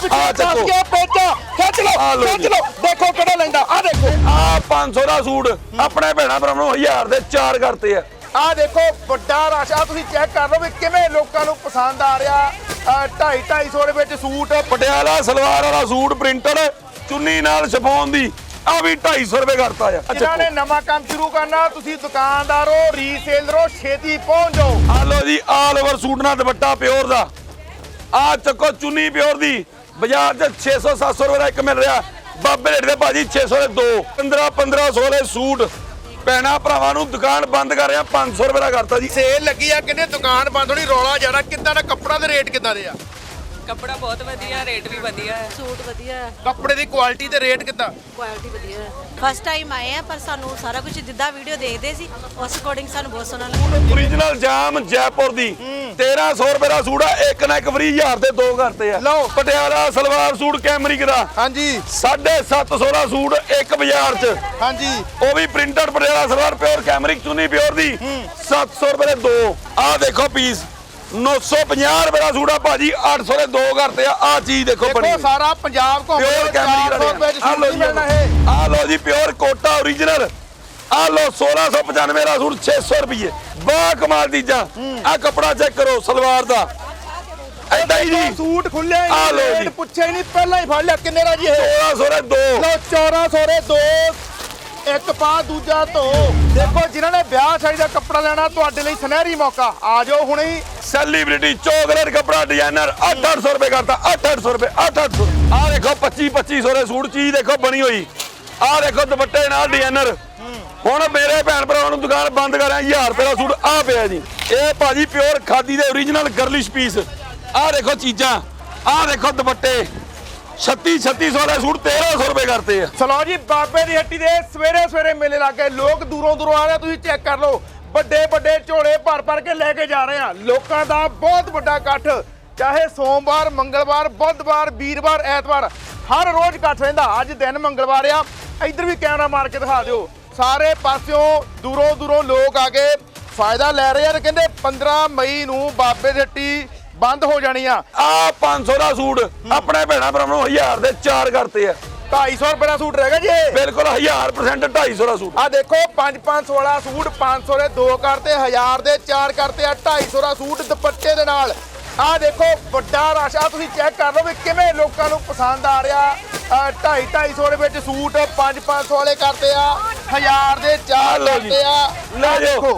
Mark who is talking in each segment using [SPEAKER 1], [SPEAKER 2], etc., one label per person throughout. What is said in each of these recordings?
[SPEAKER 1] खिच लो देखो किहड़ा लैंदा आ देखो
[SPEAKER 2] आ 500 ਦਾ ਸੂਟ ਆਪਣੇ ਭੈਣਾ ਭਰਾਵਾਂ ਨੂੰ 1000 ਦੇ 4 ਕਰਤੇ ਆ
[SPEAKER 1] ਆ ਦੇਖੋ ਵੱਡਾ ਰਸ਼ ਆ ਤੁਸੀਂ ਚੈੱਕ ਕਰ ਲਓ ਵੀ ਕਿਵੇਂ ਲੋਕਾਂ ਨੂੰ ਪਸੰਦ ਆ ਰਿਹਾ 250 ਦੇ ਵਿੱਚ ਸੂਟ
[SPEAKER 2] ਪਟਿਆਲਾ ਸਲਵਾਰ ਵਾਲਾ ਸੂਟ ਪ੍ਰਿੰਟਡ ਚੁੰਨੀ ਨਾਲ ਸ਼ਿਫੋਨ ਦੀ ਆ ਵੀ 250 ਰੁਪਏ ਕਰਤਾ ਆ
[SPEAKER 1] ਜਿਨ੍ਹਾਂ ਨੇ ਨਵਾਂ ਕੰਮ ਸ਼ੁਰੂ ਕਰਨਾ ਤੁਸੀਂ ਦੁਕਾਨਦਾਰੋ ਰੀਸੇਲਰੋ ਛੇਤੀ ਪਹੁੰਚ ਜਾਓ
[SPEAKER 2] ਆ ਲੋ ਜੀ ਆਲ ਓਵਰ ਸੂਟ ਨਾਲ ਦੁਪੱਟਾ ਪਿਓਰ ਦਾ ਆ ਚੱਕੋ ਚੁੰਨੀ ਪਿਓਰ ਦੀ ਬਾਜ਼ਾਰ 'ਚ 600 700 ਰੁਪਏ ਦਾ ਇੱਕ ਮਿਲ ਰਿਹਾ ਬਾਬੇ ਰੇਟ ਦੇ ਭਾਜੀ 600 ਦੇ ਦੋ 1500 ਦੇ ਸੂਟ ਭੈਣਾ ਭਰਾਵਾਂ ਨੂੰ ਦੁਕਾਨ ਬੰਦ ਕਰ ਰਿਹਾ 500 ਰੁਪਏ ਦਾ ਕਰਤਾ ਜੀ
[SPEAKER 1] ਸੇਲ ਲੱਗੀ ਆ ਕਿੰਨੇ ਦੁਕਾਨ ਬੰਦ ਹੋਣੀ ਰੌਲਾ ਜਾਣਾ ਕਿੱਦਾਂ ਦਾ ਕੱਪੜਾ ਦੇ ਰੇਟ ਕਿੱਦਾਂ ਦੇ ਆ
[SPEAKER 3] ਕੱਪੜਾ ਬਹੁਤ ਵਧੀਆ ਰੇਟ ਵੀ ਵਧੀਆ ਹੈ
[SPEAKER 4] ਸੂਟ ਵਧੀਆ ਹੈ
[SPEAKER 1] ਕੱਪੜੇ ਦੀ ਕੁਆਲਿਟੀ ਤੇ ਰੇਟ ਕਿੱਦਾਂ
[SPEAKER 4] ਕੁਆਲਿਟੀ ਵਧੀਆ ਹੈ ਫਸਟ ਟਾਈਮ ਆਏ ਆ ਪਰ ਸਾਨੂੰ ਸਾਰਾ ਕੁਝ ਜਿੱਦਾਂ ਵੀਡੀਓ ਦੇਖਦੇ ਸੀ ਉਸ ਅਕੋਰਡਿੰਗ ਸਾਨੂੰ ਬਹੁਤ ਸੋਹਣਾ ਲੱਗਾ
[SPEAKER 2] ਓਰੀਜਨਲ ਜਾਮ ਜੈਪੁਰ ਦੀ 1300 ਰੁਪਏ ਦਾ ਸੂਟ ਆ ਇੱਕ ਨਾ ਇੱਕ ਫ੍ਰੀ 1000 ਦੇ ਦੋ ਕਰਤੇ ਆ
[SPEAKER 1] ਲਓ
[SPEAKER 2] ਪਟਿਆਲਾ ਸਲਵਾਰ ਸੂਟ ਕੈਮਰਿਕ ਦਾ
[SPEAKER 1] ਹਾਂਜੀ
[SPEAKER 2] 750 ਦਾ ਸੂਟ ਇੱਕ ਬਾਜ਼ਾਰ 'ਚ
[SPEAKER 1] ਹਾਂਜੀ
[SPEAKER 2] ਉਹ ਵੀ printed Patiala salwar pure cambric ਚੁੰਨੀ ਪਿਓਰ ਦੀ 700 ਰੁਪਏ ਦੇ ਦੋ ਆ ਦੇਖੋ ਪੀਸ 950 ਰੁਪਏ ਦਾ ਸੂਟ ਆ ਭਾਜੀ 800 ਦੇ ਦੋ ਕਰਤੇ ਆ ਚੀਜ਼ ਦੇਖੋ ਬਣੀ
[SPEAKER 1] ਦੇਖੋ ਸਾਰਾ ਪੰਜਾਬ ਘੁੰਮ
[SPEAKER 2] ਪਿਓਰ ਕੈਮਰਿਕ
[SPEAKER 1] 400 ਰੁਪਏ ਚ
[SPEAKER 2] ਆ
[SPEAKER 1] ਸੂਟ
[SPEAKER 2] ਲੋ
[SPEAKER 1] ਨਹੀਂ ਮਿਲਣਾ ਇਹ
[SPEAKER 2] ਆ ਲੋ ਜੀ ਪਿਓਰ ਕੋਟਾ ਓਰੀਜਨਲ ਆ ਲੋ 1695 ਦਾ ਸੂਟ 600 ਰੁਪਏ ਬਾ ਕਮਾਲ ਚੀਜ਼ਾਂ ਆ ਕੱਪੜਾ ਚੈੱਕ ਕਰੋ ਸਲਵਾਰ ਦਾ ਐਦਾਂ ਹੀ ਜੀ
[SPEAKER 1] ਸੂਟ ਖੁੱਲੇ
[SPEAKER 2] ਆ ਲਓ ਜੀ।
[SPEAKER 1] ਪੁੱਛਿਆ ਹੀ ਨਹੀਂ ਪਹਿਲਾਂ ਹੀ ਫੜ ਲਿਆ ਕਿੰਨੇ ਦਾ ਜੀ ਇਹ
[SPEAKER 2] 1600 ਦੇ ਦੋ
[SPEAKER 1] ਲਓ 1400 ਦੇ ਦੋ ਇੱਕ ਪਾ ਦੂਜਾ ਧੋ ਦੇਖੋ ਜਿਨ੍ਹਾਂ ਨੇ ਵਿਆਹ ਸ਼ਾਦੀ ਦਾ ਕੱਪੜਾ ਲੈਣਾ ਤੁਹਾਡੇ ਲਈ ਸੁਨਹਿਰੀ ਮੌਕਾ ਆ ਜਾਓ ਹੁਣੇ ਹੀ
[SPEAKER 2] ਸੈਲੀਬ੍ਰਿਟੀ ਚੋਕਲੇਟ ਕੱਪੜਾ ਡਿਜ਼ਾਈਨਰ 800 ਰੁਪਏ ਕਰਤਾ 800 ਰੁਪਏ 800 ਆ ਦੇਖੋ 2500 ਦੇ ਸੂਟ ਚੀਜ਼ ਦੇਖੋ ਬਣੀ ਹੋਈ ਆ ਦੇਖੋ ਦੁਪੱਟੇ ਨਾਲ ਡਿਜ਼ਾਈਨਰ ਹੁਣ ਮੇਰੇ ਭੈਣ ਭਰਾਵਾਂ ਨੂੰ ਦੁਕਾਨ ਬੰਦ ਕਰ ਰਿਹਾ 1000 ਰੁਪਏ ਦਾ ਸੂਟ ਆ ਪਿਆ ਜੀ ਇਹ ਭਾਜੀ ਪਿਓਰ ਖਾਦੀ ਦੇ ਓਰੀਜਨਲ ਗਰਲਿਸ਼ ਪੀਸ ਆ ਦੇਖੋ ਚੀਜ਼ਾਂ ਆ ਦੇਖੋ ਦੁਪੱਟੇ 3600 ਦੇ ਸੂਟ 1300 ਰੁਪਏ ਕਰਤੇ ਆ
[SPEAKER 1] ਚਲੋ ਜੀ ਬਾਬੇ ਦੀ ਹੱਟੀ ਦੇ ਸਵੇਰੇ ਸਵੇਰੇ ਮੇਲੇ ਲੱਗੇ ਲੋਕ ਦੂਰੋਂ ਦੂਰੋਂ ਆ ਰਹੇ ਤੁਸੀਂ ਚੈੱਕ ਕਰ ਲਓ ਵੱਡੇ ਵੱਡੇ ਝੋਲੇ ਭਰ ਕੇ ਲੈ ਕੇ ਜਾ ਰਹੇ ਆ ਲੋਕਾਂ ਦਾ ਬਹੁਤ ਵੱਡਾ ਇਕੱਠ ਚਾਹੇ ਸੋਮਵਾਰ ਮੰਗਲਵਾਰ ਬੁੱਧਵਾਰ ਵੀਰਵਾਰ ਐਤਵਾਰ ਹਰ ਰੋਜ਼ ਇਕੱਠ ਰਹਿੰਦਾ ਅੱਜ ਦਿਨ ਮੰਗਲਵਾਰ ਆ ਇੱਧਰ ਵੀ ਕੈਮਰਾ ਮਾਰ ਕੇ ਦਿਖਾ ਦਿਓ ਸਾਰੇ ਪਾਸਿਓਂ ਦੂਰੋਂ ਦੂਰੋਂ ਲੋਕ ਆ ਕੇ ਫਾਇਦਾ ਲੈ ਰਹੇ ਆ ਤੇ ਕਹਿੰਦੇ 15 ਮਈ ਨੂੰ ਬਾਬੇ ਦੀ ਹੱਟੀ ਬੰਦ ਹੋ ਜਾਣੀ ਆ
[SPEAKER 2] 500 ਦਾ ਸੂਟ ਆਪਣੇ ਭੈਣਾ ਭਰਾਵਾਂ ਨੂੰ 1000 ਦੇ 4 ਕਰਤੇ ਆ
[SPEAKER 1] 250 ਰੁਪਏ ਦਾ ਸੂਟ ਰਹਿ ਗਿਆ ਜੀ
[SPEAKER 2] ਬਿਲਕੁਲ 1000% 250 ਦਾ ਸੂਟ
[SPEAKER 1] ਆ ਦੇਖੋ 500 ਵਾਲਾ ਸੂਟ 500 ਦੇ ਦੋ ਕਰਤੇ 1000 ਦੇ 4 ਕਰਤੇ ਆ 250 ਦਾ ਸੂਟ ਦੁਪੱਟੇ ਦੇ ਨਾਲ ਆ ਦੇਖੋ ਵੱਡਾ ਰਸ਼ ਆ ਤੁਸੀਂ ਚੈੱਕ ਕਰ ਲਓ ਵੀ ਕਿਵੇਂ ਲੋਕਾਂ ਨੂੰ ਪਸੰਦ ਆ ਰਿਹਾ 250 ਦੇ ਵਿੱਚ ਸੂਟ 500 ਵਾਲੇ ਕਰਤੇ ਆ 1000 ਦੇ 4 ਕਰਤੇ ਆ
[SPEAKER 2] ਲੈ ਜਾਓ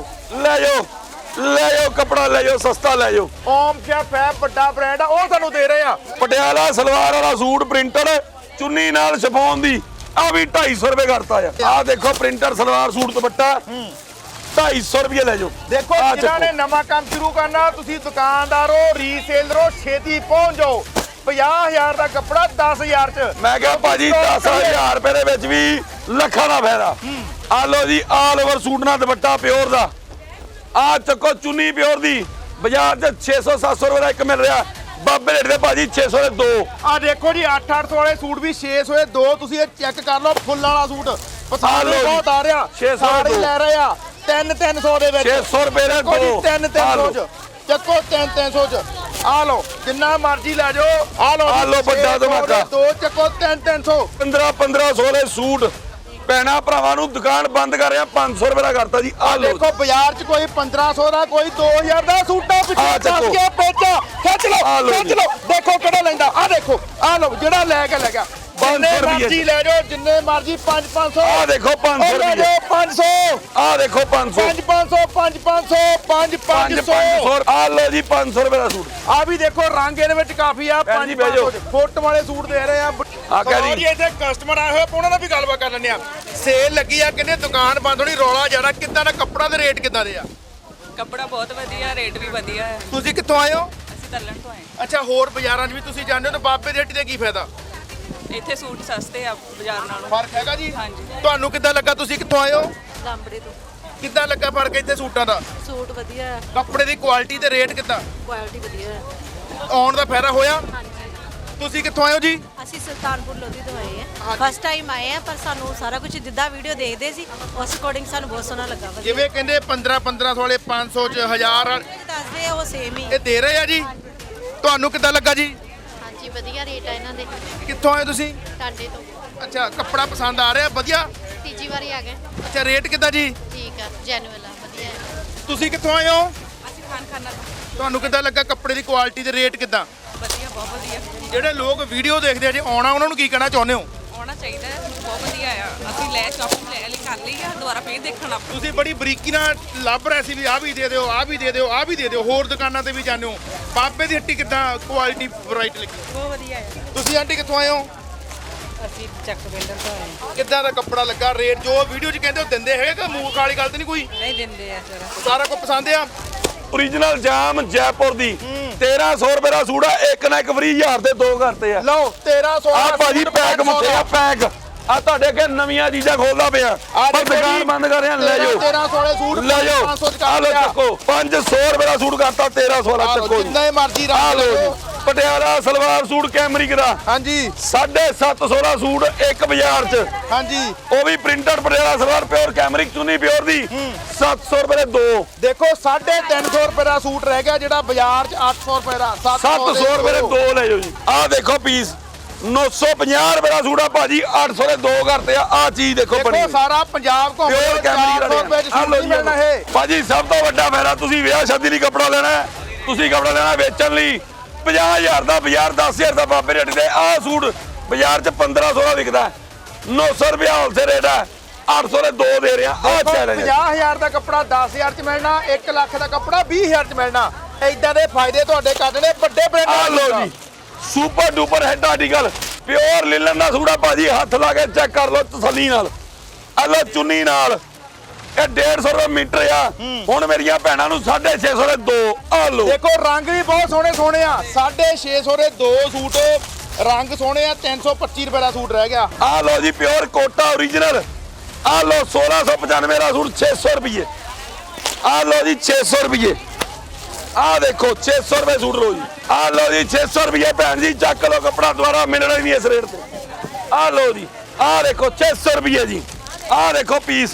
[SPEAKER 2] ਲੈ ਜਾਓ ਕੱਪੜਾ ਲੈ ਜਾਓ ਸਸਤਾ ਲੈ ਜਾਓ
[SPEAKER 1] ਓਮ ਸ਼ੈਫ ਹੈ ਵੱਡਾ ਬ੍ਰਾਂਡ ਆ ਉਹ ਤੁਹਾਨੂੰ ਦੇ ਰਹੇ ਆ
[SPEAKER 2] ਪਟਿਆਲਾ ਸਲਵਾਰ ਵਾਲਾ ਸੂਟ ਪ੍ਰਿੰਟਡ ਚੁੰਨੀ ਨਾਲ ਸ਼ਿਫੋਨ ਦੀ ਆ ਵੀ 250 ਰੁਪਏ ਕਰਤਾ ਆ ਦੇਖੋ ਪ੍ਰਿੰਟਰ ਸਲਵਾਰ ਸੂਟ ਦੁਪੱਟਾ 250 ਰੁਪਏ ਲੈ ਜਾਓ
[SPEAKER 1] ਦੇਖੋ ਜਿਨ੍ਹਾਂ ਨੇ ਨਵਾਂ ਕੰਮ ਸ਼ੁਰੂ ਕਰਨਾ ਤੁਸੀਂ ਦੁਕਾਨਦਾਰੋ ਰੀਸੇਲਰੋ ਛੇਤੀ ਪਹੁੰਚ ਜਾਓ 50000 ਦਾ ਕੱਪੜਾ 10000 ਚ
[SPEAKER 2] ਮੈਂ ਕਿਹਾ ਭਾਜੀ 10000 ਰੁਪਏ ਦੇ ਵਿੱਚ ਵੀ ਲੱਖਾਂ ਦਾ ਫਾਇਦਾ ਆ ਲੋ ਜੀ ਆਲ ਓਵਰ ਸੂਟ ਨਾਲ ਦੁਪੱਟਾ ਪਿਓਰ ਦਾ ਆ ਚੱਕੋ ਚੁੰਨੀ ਪਿਓਰ ਦੀ ਬਾਜ਼ਾਰ 'ਚ 600 700 ਰੁਪਏ ਦਾ ਇੱਕ ਮਿਲ ਰਿਹਾ ਬਾਬੇ ਰੇਟ ਦੇ ਭਾਜੀ 600 ਦੇ ਦੋ
[SPEAKER 1] ਆ ਦੇਖੋ ਜੀ 800 ਵਾਲੇ ਸੂਟ ਵੀ 600 ਦੇ ਦੋ ਤੁਸੀਂ ਇਹ ਚੈੱਕ ਕਰ ਲਓ ਫੁੱਲਾਂ ਵਾਲਾ ਸੂਟ ਪਸੰਦ ਬਹੁਤ ਆ ਰਿਹਾ
[SPEAKER 2] 600
[SPEAKER 1] ਸਾਰੇ ਲੈ ਰਹੇ ਆ 300 ਦੇ ਵਿੱਚ
[SPEAKER 2] 600 ਰੁਪਏ ਦੇ ਦੋ
[SPEAKER 1] 300 ਚ ਚੱਕੋ 300 ਚ ਆ ਲਓ ਜਿੰਨਾ ਮਰਜ਼ੀ ਲੈ ਜਾਓ ਆ ਲਓ
[SPEAKER 2] ਵੱਡਾ ਧਮਾਕਾ
[SPEAKER 1] ਦੋ ਚੱਕੋ 300
[SPEAKER 2] 1500 ਦੇ ਸੂਟ ਭੈਣਾ ਭਰਾਵਾਂ ਨੂੰ ਦੁਕਾਨ ਬੰਦ ਕਰ ਰਿਹਾ 500 ਰੁਪਏ ਦਾ ਕਰਤਾ ਜੀ ਆ ਲਓ
[SPEAKER 1] ਦੇਖੋ ਬਾਜ਼ਾਰ 'ਚ ਕੋਈ 1500 ਦਾ ਕੋਈ 2000 ਦਾ ਸੂਟਾ ਪਿੱਛੇ ਦੱਸ ਕੇ ਪੇਚਾ ਖਿੱਚ ਲਓ ਦੇਖੋ ਕਿਹੜਾ ਲੈਂਦਾ ਆ ਦੇਖੋ ਆ ਲਓ ਜਿਹੜਾ ਲੈ ਗਿਆ ਜਿੰਨੇ ਮਰਜ਼ੀ ਲੈ ਜਾਓ ਜਿੰਨੇ ਮਰਜ਼ੀ 500
[SPEAKER 2] ਆ ਦੇਖੋ 500 ਰੁਪਏ
[SPEAKER 1] 500
[SPEAKER 2] ਆ ਦੇਖੋ 500
[SPEAKER 1] 500
[SPEAKER 2] ਆ ਲਓ ਜੀ 500 ਰੁਪਏ ਦਾ ਸੂਟ
[SPEAKER 1] ਆ ਵੀ ਦੇਖੋ ਰੰਗ ਇਹਦੇ ਵਿੱਚ ਕਾਫੀ ਆ 500 ਫੁੱਟ ਵਾਲੇ ਸੂਟ ਦੇ ਰਹੇ ਆ ਜੀ ਇੱਥੇ ਕਸਟਮਰ ਆਏ ਹੋਏ ਉਹਨਾਂ ਨਾਲ ਵੀ ਗੱਲਬਾਤ ਕਰ ਲੈਂਦੇ ਆ ਸੇਲ ਲੱਗੀ ਆ ਕਹਿੰਦੇ ਦੁਕਾਨ ਬੰਦ ਹੋਣੀ ਰੌਲਾ ਜਾਣਾ ਕਿੱਦਾਂ ਦਾ ਕੱਪੜਾ ਦੇ ਰੇਟ ਕਿੱਦਾਂ ਦੇ ਆ
[SPEAKER 3] ਕੱਪੜਾ ਬਹੁਤ ਵਧੀਆ ਰੇਟ ਵੀ ਵਧੀਆ ਹੈ
[SPEAKER 1] ਤੁਸੀਂ ਕਿੱਥੋਂ ਆਏ ਹੋ
[SPEAKER 3] ਅਸੀਂ ਤੱਲਣ ਤੋਂ ਆਏ
[SPEAKER 1] ਅੱਛਾ ਹੋਰ ਬਾਜ਼ਾਰਾਂ 'ਚ ਵੀ ਤੁਸੀਂ ਜਾਂਦੇ ਹੋ ਤਾਂ ਬਾਬੇ ਦੀ ਹੱਟੀ ਦਾ ਕੀ ਫਾਇਦਾ
[SPEAKER 3] ਇੱਥੇ ਸੂਟ ਸਸਤੇ ਆ ਬਾਜ਼ਾਰ ਨਾਲੋਂ
[SPEAKER 1] ਫਰਕ ਹੈਗਾ ਜੀ
[SPEAKER 3] ਹਾਂਜੀ
[SPEAKER 1] ਤੁਹਾਨੂੰ ਕਿੱਦਾਂ ਲੱਗਾ ਤੁਸੀਂ ਕਿੱਥੋਂ ਆਏ ਹੋ
[SPEAKER 4] ਲਾਂਬੜੇ ਤੋਂ
[SPEAKER 1] ਕਿੱਦਾਂ ਲੱਗਾ ਫਰਕ ਇੱਥੇ ਸੂਟਾਂ ਦਾ
[SPEAKER 4] ਸੂਟ ਵਧੀਆ ਹੈ
[SPEAKER 1] ਕੱਪੜੇ ਦੀ ਕੁਆਲਿਟੀ ਤੇ ਰੇਟ ਕਿੱਦਾਂ
[SPEAKER 4] ਕੁਆਲਿਟੀ ਵਧੀਆ ਹੈ
[SPEAKER 1] ਆਉਣ ਦਾ ਫਾਇਦਾ ਹੋਇਆ
[SPEAKER 4] ਹਾਂਜੀ
[SPEAKER 1] ਤੁਸੀਂ ਕਿੱਥੋਂ ਆਏ ਹੋ ਜੀ
[SPEAKER 4] ਅਸੀਂ ਸੁਲਤਾਨਪੁਰ ਲੋਧੀ ਤੋਂ ਆਏ ਆ ਫਸਟ ਟਾਈਮ ਆਏ ਆ ਪਰ ਸਾਨੂੰ ਸਾਰਾ ਕੁਝ ਜਿੱਦਾਂ ਵੀਡੀਓ ਦੇਖਦੇ ਸੀ ਉਸ ਅਕੋਰਡਿੰਗ ਸਾਨੂੰ ਬਹੁਤ ਸੋਹਣਾ ਲੱਗਾ ਵਧੀਆ
[SPEAKER 1] ਜਿਵੇਂ ਕਹਿੰਦੇ 1500 ਵਾਲੇ 500 ਚ 1000
[SPEAKER 4] ਦੱਸਦੇ ਆ ਉਹ ਸੇਮ ਹੀ
[SPEAKER 1] ਇਹ ਦੇ ਰਹੇ ਆ ਜੀ ਤੁਹਾਨੂੰ ਕਿੱਦਾਂ ਲੱਗਾ ਜੀ
[SPEAKER 4] ਹਾਂਜੀ
[SPEAKER 5] ਹਾਂਜੀ ਵਧੀਆ ਰੇਟ ਆ ਇਹਨਾਂ ਦੇ
[SPEAKER 1] ਕਿੱਥੋਂ ਆਏ ਤੁਸੀਂ?
[SPEAKER 5] ਟਾਂਡੇ ਤੋਂ
[SPEAKER 1] ਅੱਛਾ, ਕੱਪੜਾ ਪਸੰਦ ਆ ਰਿਹਾ ਵਧੀਆ?
[SPEAKER 5] ਤੀਜੀ ਵਾਰੀ ਆ ਗਏ
[SPEAKER 1] ਅੱਛਾ, ਰੇਟ ਕਿੱਦਾਂ ਜੀ?
[SPEAKER 5] ਠੀਕ ਆ ਜੈਨੂਅਲ ਆ ਵਧੀਆ ਹੈ
[SPEAKER 1] ਤੁਸੀਂ ਕਿੱਥੋਂ ਆਏ ਹੋ?
[SPEAKER 3] ਅਸੀਂ ਖਾਨ ਖਾਨਾ
[SPEAKER 1] ਤੁਹਾਨੂੰ ਕਿੱਦਾਂ ਲੱਗਾ ਕੱਪੜੇ ਦੀ ਕੁਆਲਿਟੀ ਤੇ ਰੇਟ ਕਿੱਦਾਂ?
[SPEAKER 3] ਵਧੀਆ, ਬਹੁਤ ਵਧੀਆ।
[SPEAKER 1] ਜਿਹੜੇ ਲੋਕ ਵੀਡੀਓ ਦੇਖਦੇ ਆ ਜੇ ਆਉਣਾ ਉਹਨਾਂ ਨੂੰ ਕੀ ਕਹਿਣਾ ਚਾਹੁੰਦੇ ਹੋ?
[SPEAKER 3] ਆਉਣਾ ਚਾਹੀਦਾ ਹੈ, ਬਹੁਤ ਵਧੀਆ ਆ। ਅਸੀਂ ਸ਼ਾਪਿੰਗ ਲੈ ਲਈ, ਕਰ ਲਈ ਆ, ਦੁਬਾਰਾ ਫੇਰ ਦੇਖਣਾ।
[SPEAKER 1] ਤੁਸੀਂ ਬੜੀ ਬਰੀਕੀ ਨਾਲ ਲੱਭ ਰਹੇ ਸੀ ਵੀ ਆਹ ਵੀ ਦੇ ਦਿਓ, ਆਹ ਵੀ ਦੇ ਦਿਓ, ਆਹ ਵੀ ਦੇ ਦਿਓ, ਹੋਰ ਦੁਕਾਨਾਂ ਤੇ ਵੀ ਜਾਂਦੇ ਹੋ। ਬਾਬੇ ਦੀ ਹੱਟੀ ਕਿੱਦਾਂ ਕੁਆਲਿਟੀ ਵੈਰਾਈਟੀ ਲੱਗੀ?
[SPEAKER 3] ਬਹੁਤ ਵਧੀਆ ਹੈ।
[SPEAKER 1] ਤੁਸੀਂ ਆਂਟੀ ਕਿੱਥੋਂ ਆਏ ਹੋ?
[SPEAKER 3] ਅਸੀਂ ਚੱਕ ਬਿਲਡਰ ਤੋਂ ਆਏ।
[SPEAKER 1] ਕਿੱਦਾਂ ਦਾ ਕੱਪੜਾ ਲੱਗਾ? ਰੇਟ ਜੋ ਵੀਡੀਓ 'ਚ ਕਹਿੰਦੇ ਉਹ ਦਿੰਦੇ ਹੈਗੇ ਕਿ ਮੂੰਹ ਵਾਲੀ ਗੱਲ ਤੇ ਨਹੀਂ ਕੋਈ?
[SPEAKER 3] ਨਹੀਂ ਦਿੰਦੇ ਆ ਜਰਾ।
[SPEAKER 1] ਸਾਰਾ ਕੁਝ ਪਸੰਦ ਆ?
[SPEAKER 2] ਓਰੀਜਨਲ ਜਾਮ ਜੈਪੁਰ ਦੀ 1300 ਰੁਪਏ ਦਾ ਸੂਟ ਆ, ਇੱਕ ਨਾ ਇੱਕ ਫ੍ਰੀ 1000 ਦੇ ਦੋ ਕਰਤੇ ਆ।
[SPEAKER 1] ਲਓ 1300
[SPEAKER 2] ਆ ਭਾਜੀ ਪੈਕ ਮੁੱਕੇ ਆ ਪੈਕ ਆ ਤੁਹਾਡੇ ਅੱਗੇ ਨਵੀਆਂ ਚੀਜ਼ਾਂ ਖੋਲਦਾ ਪਿਆ ਪਰ ਦੁਕਾਨ ਬੰਦ ਕਰ ਰਿਹਾ ਲੈ ਜਾਓ
[SPEAKER 1] 1300 ਵਾਲੇ ਸੂਟ
[SPEAKER 2] ਲੈ ਜਾਓ
[SPEAKER 1] 500 ਚ
[SPEAKER 2] ਆ ਲੋ
[SPEAKER 1] ਕਰ
[SPEAKER 2] ਚੱਕੋ 500 ਰੁਪਏ ਦਾ ਸੂਟ ਕਰਤਾ 1300 ਵਾਲਾ ਚੱਕੋ ਜੀ
[SPEAKER 1] ਜਿੰਨੇ ਮਰਜ਼ੀ
[SPEAKER 2] ਆ
[SPEAKER 1] ਰੰਗ
[SPEAKER 2] ਲੋ
[SPEAKER 1] ਲਓ।
[SPEAKER 2] ਜੀ ਪਟਿਆਲਾ ਸਲਵਾਰ ਸੂਟ ਕੈਮਰਿਕ ਦਾ
[SPEAKER 1] ਹਾਂਜੀ
[SPEAKER 2] 750 ਦਾ ਸੂਟ ਇੱਕ ਬਾਜ਼ਾਰ 'ਚ
[SPEAKER 1] ਹਾਂਜੀ
[SPEAKER 2] ਉਹ ਵੀ printed Patiala salwar pure cambric ਚੁੰਨੀ ਪਿਓਰ ਦੀ 700 ਰੁਪਏ ਦੇ ਦੋ
[SPEAKER 1] ਦੇਖੋ 350 ਰੁਪਏ ਦਾ ਸੂਟ ਰਹਿ ਗਿਆ ਜਿਹੜਾ ਬਾਜ਼ਾਰ 'ਚ 800 ਰੁਪਏ ਦਾ
[SPEAKER 2] 700 ਰੁਪਏ ਦੇ ਦੋ ਲੈ ਜਾਓ ਜੀ ਆ ਦੇਖੋ ਪੀਸ 950 ਰੁਪਏ ਦਾ ਸੂਟ ਆ ਭਾਜੀ 800 ਦੇ ਦੋ ਕਰਤੇ ਆ ਚੀਜ਼ ਦੇਖੋ ਬਣੀ
[SPEAKER 1] ਦੇਖੋ ਸਾਰਾ ਪੰਜਾਬ ਘੁੰਮ
[SPEAKER 2] ਪਿਓਰ ਕੈਮਰਿਕ
[SPEAKER 1] 400 ਰੁਪਏ 'ਚ ਸੂਟ ਨਹੀਂ ਮਿਲਣਾ ਇਹ
[SPEAKER 2] ਭਾਜੀ ਸਭ ਤੋਂ ਵੱਡਾ ਫਾਇਦਾ ਤੁਸੀਂ ਵਿਆਹ ਸ਼ਾਦੀ ਲਈ ਕੱਪੜਾ ਲੈਣਾ ਹੈ, ਤੁਸੀਂ ਕੱਪੜਾ ਲੈਣਾ ਵੇਚਣ ਲਈ 50000 ਦਾ ਬਾਜ਼ਾਰ 10000 ਦਾ ਬਾਬੇ ਰੇਟ ਦੇ ਆਹ ਸੂਟ ਬਾਜ਼ਾਰ 'ਚ 1500 ਦਾ ਵਿਕਦਾ 900 ਰੁਪਏ ਹੋਲਸੇਲ ਰੇਟ ਹੈ 800 ਦੇ ਦੋ ਦੇ ਰਿਹਾ ਆਹ ਚੈਲੰਜ
[SPEAKER 1] 50000 ਦਾ ਕੱਪੜਾ 10000 'ਚ ਮਿਲਣਾ 1 ਲੱਖ ਦਾ ਕੱਪੜਾ 20000 'ਚ ਮਿਲਣਾ ਏਦਾਂ ਦੇ ਫਾਇਦੇ ਤੁਹਾਡੇ ਕੱਢਣੇ ਵੱਡੇ ਬ੍ਰਾਂਡਾਂ
[SPEAKER 2] ਆ ਲੋ ਜੀ super duper head article pure linen ਦਾ ਸੂਟ ਆ ਭਾਜੀ ਹੱਥ ਲਾ ਕੇ ਚੈੱਕ ਕਰ ਲਓ ਤਸੱਲੀ ਨਾਲ ਆ ਲੋ ਚੁੰਨੀ ਨਾਲ ਇਹ 150 ਰੁਪਏ ਮੀਟਰ ਆ ਹੁਣ ਮੇਰੀਆਂ ਭੈਣਾਂ ਨੂੰ 650 ਦੇ ਦੋ ਆ ਲੋ
[SPEAKER 1] ਦੇਖੋ ਰੰਗ ਵੀ ਬਹੁਤ ਸੋਹਣੇ ਸੋਹਣੇ ਆ 650 ਦੇ ਦੋ ਸੂਟ ਰੰਗ ਸੋਹਣੇ ਆ 325 ਰੁਪਏ ਦਾ ਸੂਟ ਰਹਿ ਗਿਆ
[SPEAKER 2] ਆ ਲੋ ਜੀ ਪਿਓਰ ਕੋਟਾ ਓਰੀਜਨਲ ਆ ਲੋ 1695 ਦਾ ਸੂਟ 600 ਰੁਪਏ ਆ ਲੋ ਜੀ 600 ਰੁਪਏ ਆ ਦੇਖੋ 600 ਰੁਪਏ ਸੂਟ ਲੋ ਜੀ ਆ ਲੋ ਜੀ 600 ਰੁਪਏ ਭੈਣ ਜੀ ਚੱਕ ਲੋ ਕੱਪੜਾ ਦੁਬਾਰਾ ਮਿਲਣਾ ਹੀ ਨਹੀਂ ਇਸ ਰੇਟ ਤੇ ਆ ਲੋ ਜੀ ਆ ਦੇਖੋ 600 ਰੁਪਏ ਜੀ ਆ ਦੇਖੋ ਪੀਸ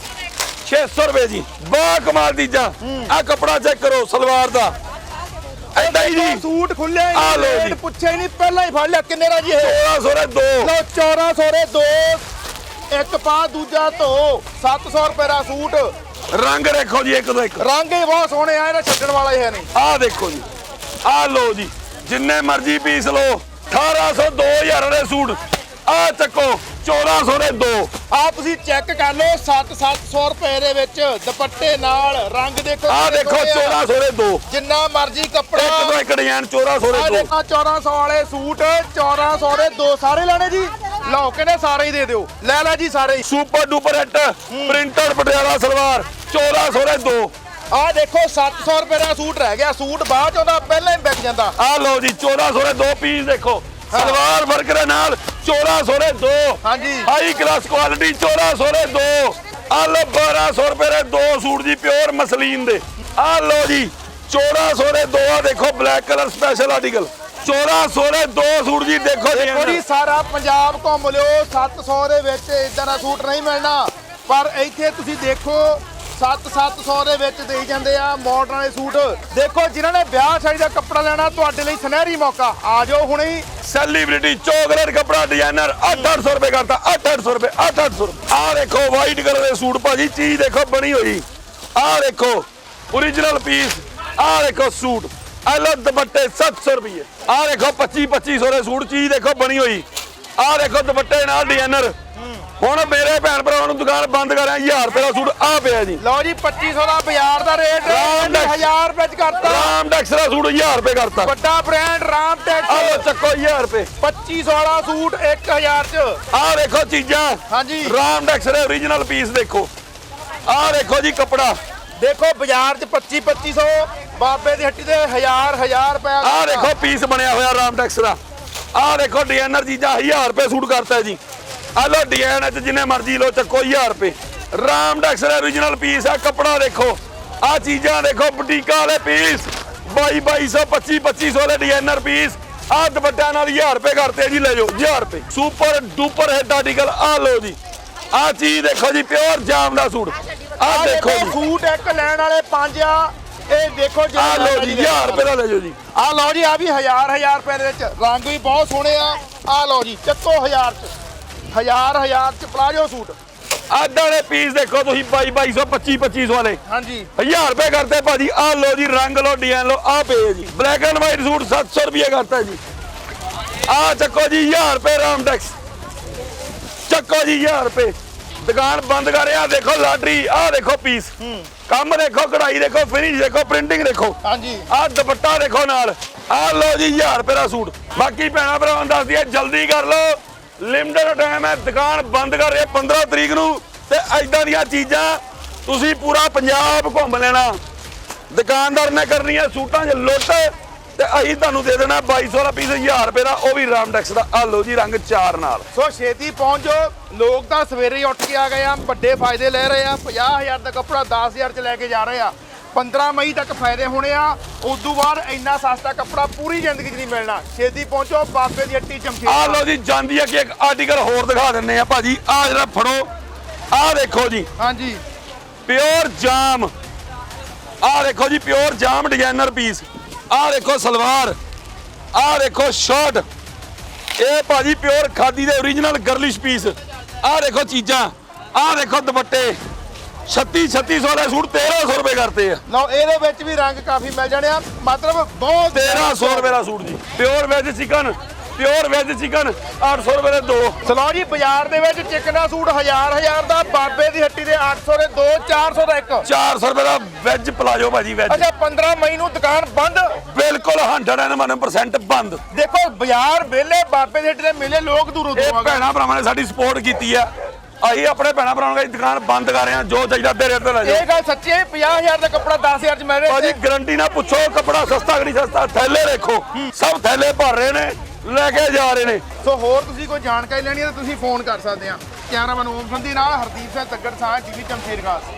[SPEAKER 2] 600 ਰੁਪਏ ਜੀ ਬਾ ਕਮਾਲ ਚੀਜ਼ਾਂ ਆ ਕੱਪੜਾ ਚੈੱਕ ਕਰੋ ਸਲਵਾਰ ਦਾ ਐਦਾਂ ਹੀ ਜੀ
[SPEAKER 1] ਸੂਟ ਖੁੱਲੇ
[SPEAKER 2] ਆ ਲਓ ਜੀ।
[SPEAKER 1] ਰੇਟ ਪੁੱਛਿਆ ਹੀ ਨਹੀਂ ਪਹਿਲਾਂ ਹੀ ਫੜ ਲਿਆ ਕਿੰਨੇ ਦਾ ਜੀ ਇਹ
[SPEAKER 2] 1600 ਦੇ ਦੋ
[SPEAKER 1] ਲਓ 1400 ਦੇ ਦੋ ਇੱਕ ਪਾ ਦੂਜਾ ਧੋ 700 ਰੁਪਏ ਦਾ ਸੂਟ
[SPEAKER 2] ਰੰਗ ਦੇਖੋ ਜੀ ਇੱਕ ਤੋਂ ਇੱਕ
[SPEAKER 1] ਰੰਗ ਹੀ ਬਹੁਤ ਸੋਹਣੇ ਆ ਇਹਦਾ ਛੱਡਣ ਵਾਲਾ ਹੀ ਹੈ ਨਹੀਂ
[SPEAKER 2] ਆ ਦੇਖੋ ਜੀ ਆ ਲੋ ਜੀ ਜਿੰਨੇ ਮਰਜ਼ੀ ਪੀਸ ਲਓ 1800 2000 ਦੇ ਸੂਟ ਆ ਚੱਕੋ 1400 ਦੇ ਦੋ
[SPEAKER 1] ਆ ਤੁਸੀਂ ਚੈੱਕ ਕਰ ਲਓ 700 ਰੁਪਏ ਦੇ ਵਿੱਚ ਦੁਪੱਟੇ ਨਾਲ ਰੰਗ ਦੇਖੋ
[SPEAKER 2] ਆ
[SPEAKER 1] ਕਿੰਨੇ
[SPEAKER 2] ਦੇਖੋ
[SPEAKER 1] ਸੋਹਣੇ ਆ।
[SPEAKER 2] 1400 ਦੇ ਦੋ
[SPEAKER 1] ਜਿੰਨਾ ਮਰਜ਼ੀ ਕੱਪੜਾ
[SPEAKER 2] ਇੱਕ ਤੋਂ ਇੱਕ ਡਿਜ਼ਾਈਨ 1400
[SPEAKER 1] ਆ
[SPEAKER 2] ਦੇ ਦੋ
[SPEAKER 1] ਦੇਖੋ 1400 ਵਾਲੇ ਸੂਟ 1400 ਦੇ ਦੋ ਸਾਰੇ ਲੈਣੇ ਜੀ ਲਓ ਕਹਿੰਦੇ ਸਾਰੇ ਹੀ ਦੇ ਦਿਓ ਲੈ ਲੈ ਜੀ ਸਾਰੇ ਹੀ
[SPEAKER 2] super duper hit printed Patiala salwar 1400 ਦੇ ਦੋ
[SPEAKER 1] ਆ ਦੇਖੋ 700 ਰੁਪਏ ਦਾ ਸੂਟ ਰਹਿ ਗਿਆ ਸੂਟ ਬਾਅਦ ਚ ਉਹਦਾ ਪਹਿਲਾਂ ਹੀ ਵਿਕ ਜਾਂਦਾ
[SPEAKER 2] ਆ ਲਓ ਜੀ 1400 ਦੇ ਦੋ ਪੀਸ ਦੇਖੋ ਸਲਵਾਰ ਵਰਕ ਦੇ ਨਾਲ 1400 ਦੇ ਦੋ
[SPEAKER 1] ਹਾਂਜੀ
[SPEAKER 2] ਹਾਈ ਕਲਾਸ ਕੁਆਲਿਟੀ 1400 ਦੇ ਦੋ ਆ ਲਓ 1200 ਰੁਪਏ ਦੇ ਦੋ ਸੂਟ ਜੀ ਪਿਓਰ ਮਸਲੀਨ ਦੇ ਆ ਲਓ ਜੀ 1400 ਦੇ ਦੋ ਆ ਦੇਖੋ ਬਲੈਕ ਕਲਰ ਸਪੈਸ਼ਲ ਆਰਟੀਕਲ 1400 ਦੇ ਦੋ ਸੂਟ ਜੀ ਦੇਖੋ
[SPEAKER 1] ਥੋੜੀ ਸਾਰਾ ਪੰਜਾਬ ਘੁੰਮ ਲਿਓ 700 ਦੇ ਵਿੱਚ ਇਦਾਂ ਦਾ ਸੂਟ ਨਹੀਂ ਮਿਲਣਾ ਪਰ ਇੱਥੇ ਤੁਸੀਂ ਦੇਖੋ 700 ਦੇ ਵਿੱਚ ਦੇਈ ਜਾਂਦੇ ਆ ਮਾਡਰਨ ਵਾਲੇ ਸੂਟ ਦੇਖੋ ਜਿਨ੍ਹਾਂ ਨੇ ਵਿਆਹ ਸ਼ਾਦੀ ਦਾ ਕੱਪੜਾ ਲੈਣਾ ਤੁਹਾਡੇ ਲਈ ਸੁਨਹਿਰੀ ਮੌਕਾ ਆ ਜਾਓ ਹੁਣੇ ਹੀ
[SPEAKER 2] ਸੈਲੀਬ੍ਰਿਟੀ ਚੋਕਲੇਟ ਕਪੜਾ ਡਿਜ਼ਾਈਨਰ 800 ਰੁਪਏ ਕਰਤਾ 800 ਰੁਪਏ 800 ਆ ਦੇਖੋ ਵਾਈਟ ਕਲਰ ਦੇ ਸੂਟ ਭਾਜੀ ਚੀਜ਼ ਦੇਖੋ ਬਣੀ ਹੋਈ ਆ ਦੇਖੋ ਓਰੀਜਨਲ ਪੀਸ ਆ ਦੇਖੋ ਸੂਟ ਆ ਲੋ ਦੁਪੱਟੇ 700 ਰੁਪਏ ਆ ਦੇਖੋ 2500 ਦੇ ਸੂਟ ਚੀਜ਼ ਦੇਖੋ ਬਣੀ ਹੋਈ ਆ ਦੇਖੋ ਦੁਪੱਟੇ ਨਾਲ ਡਿਜ਼ਾਈਨਰ ਹੁਣ ਮੇਰੇ ਭੈਣ ਭਰਾਵਾਂ ਨੂੰ ਦੁਕਾਨ ਬੰਦ ਕਰਾਂ 1000 ਰੁਪਏ ਦਾ ਸੂਟ ਆ ਪਿਆ ਜੀ
[SPEAKER 1] ਲਓ ਜੀ 2500 ਦਾ ਬਾਜ਼ਾਰ ਦਾ ਰੇਟ
[SPEAKER 2] ਰਾਮਡੈਕਸ।
[SPEAKER 1] 1000 ਰੁਪਏ ਚ ਕਰਤਾ
[SPEAKER 2] ਰਾਮਡੈਕਸ ਦਾ ਸੂਟ 1000 ਰੁਪਏ ਕਰਤਾ
[SPEAKER 1] ਵੱਡਾ ਬ੍ਰਾਂਡ
[SPEAKER 2] ਆ
[SPEAKER 1] ਰਾਮਟੈਕਸ
[SPEAKER 2] ਲੋ ਚੱਕੋ 1000 ਰੁਪਏ
[SPEAKER 1] 2500 ਵਾਲਾ ਸੂਟ 1000 ਚ
[SPEAKER 2] ਆ ਦੇਖੋ ਚੀਜ਼ਾਂ
[SPEAKER 1] ਹਾਂਜੀ
[SPEAKER 2] ਰਾਮਡੈਕਸ ਦੇ ਓਰੀਜਨਲ ਪੀਸ ਦੇਖੋ ਆ ਦੇਖੋ ਜੀ ਕੱਪੜਾ
[SPEAKER 1] ਦੇਖੋ ਬਾਜ਼ਾਰ ਚ 2500 ਬਾਬੇ ਦੀ ਹੱਟੀ ਤੇ 1000 ਰੁਪਏ
[SPEAKER 2] ਆ ਦੇਖੋ ਪੀਸ ਬਣਿਆ ਹੋਇਆ ਰਾਮਡੈਕਸ ਦਾ ਆ ਦੇਖੋ ਡਿਜ਼ਾਈਨਰ ਚੀਜ਼ਾਂ 1000 ਰੁਪਏ ਸੂਟ ਕਰਤਾ ਜੀ ਆ ਲੋ ਡਿਜ਼ਾਈਨ ਚ ਜਿੰਨੇ ਮਰਜ਼ੀ ਲੋ ਚੱਕੋ 1000 ਰੁਪਏ ਰਾਮਡੈਕਸ ਦਾ ਓਰੀਜਨਲ ਪੀਸ ਆ ਕੱਪੜਾ ਦੇਖੋ ਆ ਚੀਜ਼ਾਂ ਦੇਖੋ ਬੁਟੀਕਾਂ ਵਾਲੇ ਪੀਸ 2200 2500 ਦੇ ਡਿਜ਼ਾਈਨਰ ਪੀਸ ਆ ਦੁਪੱਟਿਆਂ ਨਾਲ 1000 ਰੁਪਏ ਕਰਤੇ ਜੀ ਲੈ ਜਾਓ 1000 ਰੁਪਏ ਸੁਪਰ ਡੂਪਰ ਹੈਡ ਆਰਟੀਕਲ ਆ ਲੋ ਜੀ ਆ ਚੀਜ਼ ਦੇਖੋ ਜੀ ਪਿਓਰ ਜਾਮ ਦਾ ਸੂਟ ਆ ਦੇਖੋ ਜੀ
[SPEAKER 1] ਸੂਟ ਇੱਕ ਲੈਣ ਵਾਲੇ 5 ਆ ਇਹ ਦੇਖੋ
[SPEAKER 2] ਆ ਲਓ ਜੀ 1000 ਰੁਪਏ ਦਾ ਲੈ ਜਾਓ ਜੀ।
[SPEAKER 1] ਆ ਲਓ ਜੀ, ਆ ਵੀ 1000 ਰੁਪਏ ਦੇ ਵਿੱਚ ਰੰਗ ਵੀ ਬਹੁਤ ਸੋਹਣੇ ਆ ਲਓ ਜੀ, ਚੱਕੋ 1000 ਚ 1000 ਚ ਪਲਾਜੋ ਸੂਟ।
[SPEAKER 2] ਆਦਾਂ ਦੇ ਪੀਸ ਦੇਖੋ ਤੁਸੀਂ 2200 2500 ਵਾਲੇ
[SPEAKER 1] ਹਾਂਜੀ
[SPEAKER 2] 1000 ਰੁਪਏ ਕਰਤੇ ਭਾਜੀ। ਆ ਲਓ ਜੀ ਰੰਗ ਲਓ ਡਿਜ਼ਾਈਨ ਲਓ ਆ ਪਏ ਜੀ। ਬਲੈਕ ਐਂਡ ਵਾਈਟ ਸੂਟ 700 ਰੁਪਏ ਕਰਤਾ ਜੀ। ਆ ਚੱਕੋ ਜੀ 1000 ਰੁਪਏ ਰਾਮਟੈਕਸ, ਚੱਕੋ ਜੀ 1000 ਰੁਪਏ। ਦੁਕਾਨ ਬੰਦ ਕਰ ਰਿਹਾ, ਦੇਖੋ ਲਾਟਰੀ, ਆ ਦੇਖੋ ਪੀਸ, ਕੰਮ ਦੇਖੋ, ਕਢਾਈ ਦੇਖੋ, ਫਿਨਿਸ਼ ਦੇਖੋ, ਪ੍ਰਿੰਟਿੰਗ ਦੇਖੋ।
[SPEAKER 1] ਹਾਂਜੀ
[SPEAKER 2] ਆ ਦੁਪੱਟਾ ਦੇਖੋ ਨਾਲ। ਆ ਲਓ ਜੀ 1000 ਰੁਪਏ ਦਾ ਸੂਟ। ਬਾਕੀ ਭੈਣਾ ਭਰਾਵਾਂ ਨੂੰ ਦੱਸ ਦਈਏ ਜਲਦੀ ਕਰ ਲਓ, ਲਿਮਟਡ ਟਾਈਮ ਹੈ, ਦੁਕਾਨ ਬੰਦ ਕਰ ਰਹੇ 15 ਤਰੀਕ ਨੂੰ। ਤੇ ਐਦਾਂ ਦੀਆਂ ਚੀਜ਼ਾਂ ਤੁਸੀਂ ਪੂਰਾ ਪੰਜਾਬ ਘੁੰਮ ਲੈਣਾ। ਦੁਕਾਨਦਾਰ ਨੇ ਕਰਨੀ ਹੈ ਸੂਟਾਂ 'ਚ ਲੁੱਟ, ਤੇ ਅਸੀਂ ਤੁਹਾਨੂੰ ਦੇ ਦੇਣਾ 2200 ਵਾਲਾ ਪੀਸ 1000 ਰੁਪਏ ਦਾ, ਉਹ ਵੀ ਰਾਮਟੈਕਸ ਦਾ। ਆ ਲਓ ਜੀ ਰੰਗ 4 ਨਾਲ।
[SPEAKER 1] ਸੋ ਛੇਤੀ ਪਹੁੰਚ ਜਾਓ, ਲੋਕ ਤਾਂ ਸਵੇਰੇ ਹੀ ਉੱਠ ਕੇ ਆ ਗਏ ਆ, ਵੱਡੇ ਫਾਇਦੇ ਲੈ ਰਹੇ ਆ। 50000 ਦਾ ਕੱਪੜਾ 10000 ਚ ਲੈ ਕੇ ਜਾ ਰਹੇ ਆ। 15 ਮਈ ਤੱਕ ਫਾਇਦੇ ਹੋਣੇ ਆ, ਉਸ ਤੋਂ ਬਾਅਦ ਇੰਨਾ ਸਸਤਾ ਕੱਪੜਾ ਪੂਰੀ ਜ਼ਿੰਦਗੀ 'ਚ ਨਹੀਂ ਮਿਲਣਾ। ਛੇਤੀ ਪਹੁੰਚੋ, ਬਾਬੇ ਦੀ ਹੱਟੀ ਚਮਕੇ।
[SPEAKER 2] ਆ ਲਓ ਜੀ ਜਾਂਦੀ ਹੈ ਕਿ ਇੱਕ ਆਰਟੀਕਲ ਹੋਰ ਦਿਖਾ ਦਿੰਨੇ ਆ ਭਾਜੀ। ਆ ਜਿਹੜਾ ਫੜੋ, ਆ ਦੇਖੋ ਜੀ
[SPEAKER 1] ਹਾਂਜੀ
[SPEAKER 2] ਪਿਓਰ ਜਾਮ। ਆ ਦੇਖੋ ਜੀ ਪਿਓਰ ਜਾਮ ਡਿਜ਼ਾਈਨਰ ਪੀਸ। ਆ ਦੇਖੋ ਸਲਵਾਰ, ਆ ਦੇਖੋ ਸ਼ਰਟ, ਇਹ ਭਾਜੀ ਪਿਓਰ ਖਾਦੀ ਦੇ ਓਰੀਜਨਲ ਗਰਲਿਸ਼ ਪੀਸ। ਆ ਦੇਖੋ ਚੀਜ਼ਾਂ, ਆ ਦੇਖੋ ਦੁਪੱਟੇ 3600 ਵਾਲੇ ਸੂਟ 1300 ਰੁਪਏ ਕਰਤੇ ਆ।
[SPEAKER 1] ਲਓ ਇਹਦੇ ਵਿੱਚ ਵੀ ਰੰਗ ਕਾਫੀ ਮਿਲ ਜਾਣੇ ਆ, ਮਤਲਬ ਬਹੁਤ
[SPEAKER 2] 1300 ਰੁਪਏ ਦਾ ਸੂਟ ਜੀ। Pure veg chicken, pure veg chicken 800 ਰੁਪਏ ਦੇ 2।
[SPEAKER 1] ਸਲੋ ਜੀ ਬਾਜ਼ਾਰ ਦੇ ਵਿੱਚ ਚਿਕਨ ਦਾ ਸੂਟ 1000 ਦਾ, ਬਾਬੇ ਦੀ ਹੱਟੀ ਦੇ 800 ਦੇ 2, 400 ਦਾ ਇੱਕ।
[SPEAKER 2] 400 ਰੁਪਏ ਦਾ ਵੈਜ ਪਲਾਜੋ ਭਾਜੀ ਵੈਜ।
[SPEAKER 1] ਅੱਛਾ 15 ਮਈ ਨੂੰ ਦੁਕਾਨ ਬੰਦ,
[SPEAKER 2] ਬਿਲਕੁਲ 101% ਬੰਦ।
[SPEAKER 1] ਦੇਖੋ ਬਾਜ਼ਾਰ ਵਿਹਲੇ, ਬਾਬੇ ਦੀ ਹੱਟੀ ਦੇ ਮੇਲੇ, ਲੋਕ ਦੂਰੋਂ
[SPEAKER 2] ਇਹ
[SPEAKER 1] ਦੂਰੋਂ ਆ ਗਏ।
[SPEAKER 2] ਭੈਣਾ ਭਰਾਵਾਂ ਨੇ ਸਾਡੀ ਸਪੋਰਟ ਕੀਤੀ ਆ। ਅਸੀਂ ਆਪਣੇ ਭੈਣਾ ਭਰਾਵਾਂ ਦੀ ਦੁਕਾਨ ਬੰਦ ਕਰ ਰਹੇ ਹਾਂ, ਜੋ ਚਾਹੀਦਾ ਦੇ ਰੇਟ ਤੇ ਲੈ ਜਾਓ।
[SPEAKER 1] ਇਹ ਗੱਲ ਸੱਚੀ ਹੈ, 50000 ਦਾ ਕੱਪੜਾ 10000 ਚ ਮਿਲ ਰਿਹਾ।
[SPEAKER 2] ਭਾਜੀ ਗਰੰਟੀ ਨਾਲ ਪੁੱਛੋ ਕੱਪੜਾ ਸਸਤਾ ਕਿ ਨਹੀਂ ਸਸਤਾ। ਥੈਲੇ ਦੇਖੋ, ਸਭ ਥੈਲੇ ਭਰ ਰਹੇ ਨੇ, ਲੈ ਕੇ ਜਾ ਰਹੇ ਨੇ।
[SPEAKER 1] ਸੋ ਹੋਰ ਤੁਸੀਂ ਕੋਈ ਜਾਣਕਾਰੀ ਲੈਣੀ ਹੈ ਤਾਂ ਤੁਸੀਂ ਫੋਨ ਕਰ ਸਕਦੇ ਆ। ਕੈਮਰਾਮੈਨ ਓਮ ਸੰਧੀ ਨਾਲ ਹਰਦੀਪ ਸਿੰਘ ਤੱਗੜ ਸਾਹ, ਟੀਵੀ ਚਮਕੀਰ ਖਾਸ।